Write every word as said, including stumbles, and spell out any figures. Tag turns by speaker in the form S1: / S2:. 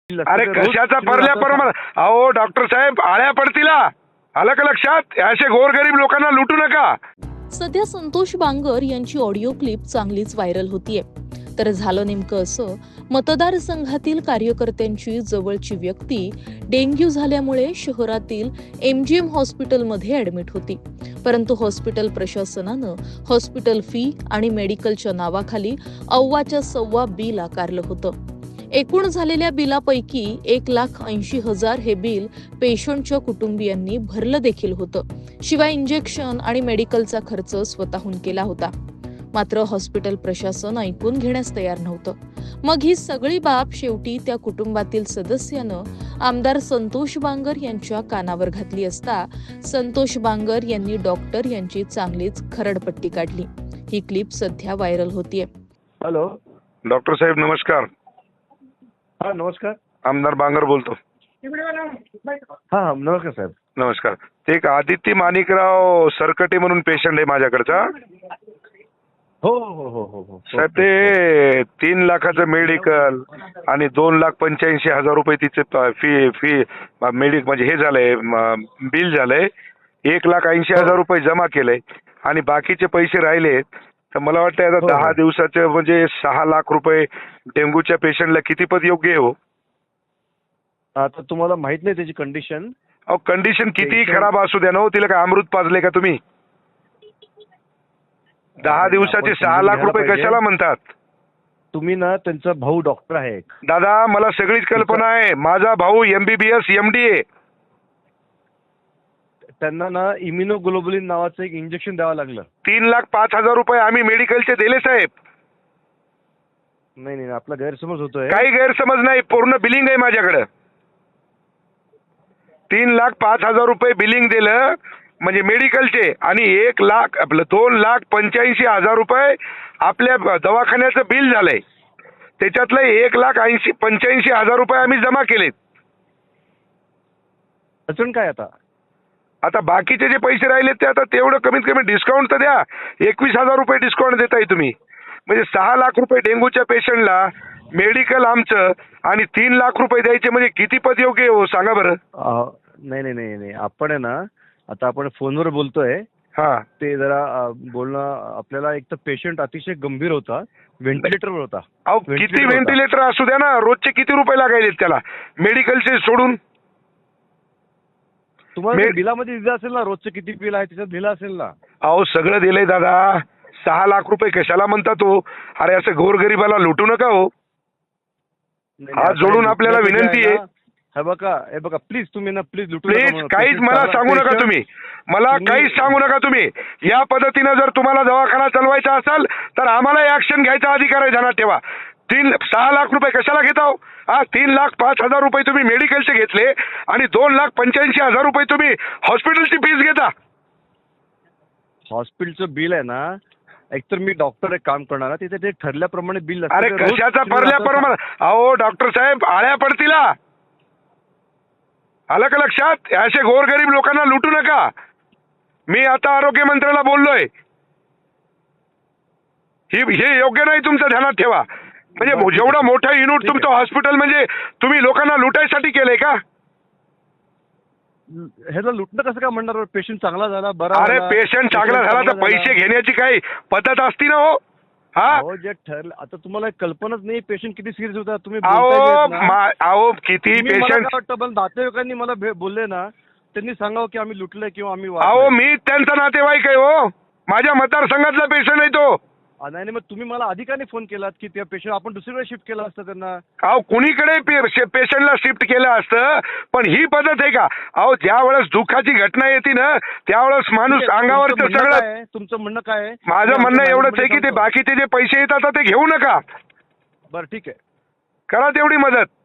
S1: अरे कशाचा परल्या परमार अहो डॉक्टर साहेब आळ्या पडतील आलं का लक्षात. असे गोरगरीब लोकांना लुटू नका.
S2: सध्या संतोष बांगर यांची ऑडिओ क्लिप चांगलीच व्हायरल होतीये. तर झालं नेमकं असं, मतदारसंघातील कार्यकर्त्यांची जवळची व्यक्ती डेंग्यू झाल्यामुळे शहरातील एमजीएम हॉस्पिटलमध्ये ऍडमिट होती. परंतु हॉस्पिटल प्रशासनानं हॉस्पिटल फी आणि मेडिकलच्या नावाखाली अव्वाच्या सव्वा बिल आकारलं होतं. एकूण झालेल्या बिलापैकी एक लाख ऐंशी हजार हे बिल पेशंटच्या कुटुंबियांनी भरलं देखील होतं. शिवाय इंजेक्शन आणि मेडिकलचा खर्च स्वतःहून केला होता. मात्र हॉस्पिटल प्रशासन ऐकून घेण्यास तयार नव्हतं. मग ही सगळी बाब शेवटी त्या कुटुंबातील सदस्यानं आमदार संतोष बांगर यांच्या कानावर घातली असता संतोष बांगर यांनी डॉक्टर यांची चांगलीच खरडपट्टी काढली. ही क्लिप सध्या व्हायरल होतीये.
S3: हॅलो
S1: डॉक्टर साहेब नमस्कार.
S3: हा नमस्कार.
S1: आमदार बांगर बोलतो.
S3: हा हा नमस्कार साहेब.
S1: नमस्कार. ते एक आदित्य माणिकराव सरकटे म्हणून पेशंट आहे माझ्याकडचा.
S3: हो हो हो हो हो
S1: साहेब ते तीन लाखाचं मेडिकल आणि दोन लाख पंच्याऐंशी हजार रुपये तिचे फी फी मेडिक म्हणजे हे झालंय बिल झालंय. एक लाख ऐंशी हजार रुपये जमा केलंय आणि बाकीचे पैसे राहिले. तर मला वाटतं आता दहा दिवसाचे म्हणजे सहा लाख रुपये डेंग्यूच्या पेशंटला किती पद योग्य आहे हो?
S3: आता तुम्हाला माहित नाही त्याची कंडिशन.
S1: अहो कंडिशन कितीही खराब असू द्या ना हो, तिला काय अमृत पाजले का तुम्ही? दहा दिवसाचे सहा लाख रुपये कशाला म्हणतात
S3: तुम्ही? ना त्यांचा भाऊ डॉक्टर आहे.
S1: दादा मला सगळीच कल्पना आहे. माझा भाऊ एमबीबीएस एमडी आहे.
S3: त्यांना ना इम्युनोग्लोबुलिन नावाचं एक इंजेक्शन द्यावं लागलं.
S1: तीन लाख पाच हजार रुपये आम्ही मेडिकलचे दिले साहेब.
S3: नाही नाही आपला गैरसमज होतोय.
S1: काही गैरसमज नाही, पूर्ण बिलिंग आहे माझ्याकडे. तीन लाख पाच हजार रुपये बिलिंग दिलं म्हणजे मेडिकलचे आणि एक लाख आपलं दोन लाख पंच्याऐंशी हजार रुपये आपल्या दवाखान्याचं बिल झालंय. त्याच्यातलं एक लाख ऐंशी पंच्याऐंशी हजार रुपये आम्ही जमा केलेत.
S3: अडचण काय आता?
S1: आता बाकीचे जे पैसे राहिले ते आता तेवढं कमीत कमी डिस्काउंट तर द्या. एकवीस हजार रुपये डिस्काउंट देताय तुम्ही. म्हणजे सहा लाख रुपये डेंग्यूच्या पेशंटला मेडिकल आमचं आणि तीन लाख रुपये द्यायचे म्हणजे किती पद योग्य हो सांगा बरं.
S3: नाही नाही नाही नाही आपण आहे ना आता आपण फोनवर बोलतोय.
S1: हा
S3: ते जरा बोलणं आपल्याला एक तर पेशंट अतिशय गंभीर होता, व्हेंटिलेटरवर होता.
S1: अहो किती व्हेंटिलेटर असू द्या ना, रोजचे किती रुपये लागायचे त्याला मेडिकलचे सोडून?
S3: तुम्हाला बिलामध्ये दिलं असेल ना रोजचं किती बिल आहे त्याच्यात दिलं असेल ना.
S1: अहो सगळं दिलंय दादा. सहा लाख रुपये कशाला म्हणतात हो? अरे असं गोरगरिबाला लुटू नका हो. हात जोडून आपल्याला विनंती आहे.
S3: हे बघा हे बघा प्लीज तुम्ही ना प्लीज लुटू
S1: प्लीज काहीच मला सांगू नका तुम्ही. मला काहीच सांगू नका तुम्ही. या पद्धतीनं जर तुम्हाला दवाखाना चालवायचा असेल तर आम्हाला ऍक्शन घ्यायचा अधिकार आहे. ध्यानात ठेवा. तीन सहा लाख रुपये कशाला घेता हो? हा तीन लाख पाच हजार रुपये तुम्ही मेडिकलचे घेतले आणि दोन लाख पंच्याऐंशी हजार रुपये तुम्ही हॉस्पिटलची फीस घेता.
S3: हॉस्पिटलचं बिल आहे ना, एकतर मी डॉक्टर एक काम करणार तिथे ते ठरल्याप्रमाणे बिल.
S1: अरे कशाचा परल्या परमार अहो डॉक्टर साहेब आळ्या पडतील आलं का लक्षात. असे गोरगरीब लोकांना लुटू नका. मी आता आरोग्य मंत्र्याला बोललोय. ही हे योग्य नाही तुमचं, ध्यानात ठेवा. म्हणजे जेवढं मोठं युनिट तुमचं हॉस्पिटल म्हणजे तुम्ही लोकांना लुटायसाठी केलंय का?
S3: ह्याला लुटणं कसं काय म्हणणार? पेशंट चांगला झाला बरा.
S1: अरे पेशंट चांगला झाला तर पैसे घेण्याची काही पद्धत असती ना हो. हा
S3: जे ठरलं आता तुम्हाला कल्पनाच नाही पेशंट किती सिरियस होता. तुम्ही
S1: अहो किती पेशंट
S3: वाटतं नातेवाईकांनी मला बोलले ना, त्यांनी सांगावं की आम्ही लुटलंय किंवा आम्ही.
S1: अहो मी त्यांचा नातेवाईक आहे हो. माझ्या मतदारसंघातला पेशंट आहे तो.
S3: नाही मग तुम्ही मला अधिकाने फोन केलात की त्या पेशंट आपण दुसरीकडे शिफ्ट केलं असतं त्यांना.
S1: अहो कुणीकडे पेशंटला शिफ्ट केलं असतं पण ही पद्धत आहे का? अहो ज्या वेळेस दुःखाची घटना येते ना त्यावेळेस माणूस अंगावरचं सगळं.
S3: तुमचं म्हणणं काय आहे?
S1: माझं म्हणणं एवढंच आहे की ते बाकीचे जे पैसे येतात ते घेऊ नका.
S3: बरं ठीक आहे,
S1: करा तेवढी मदत.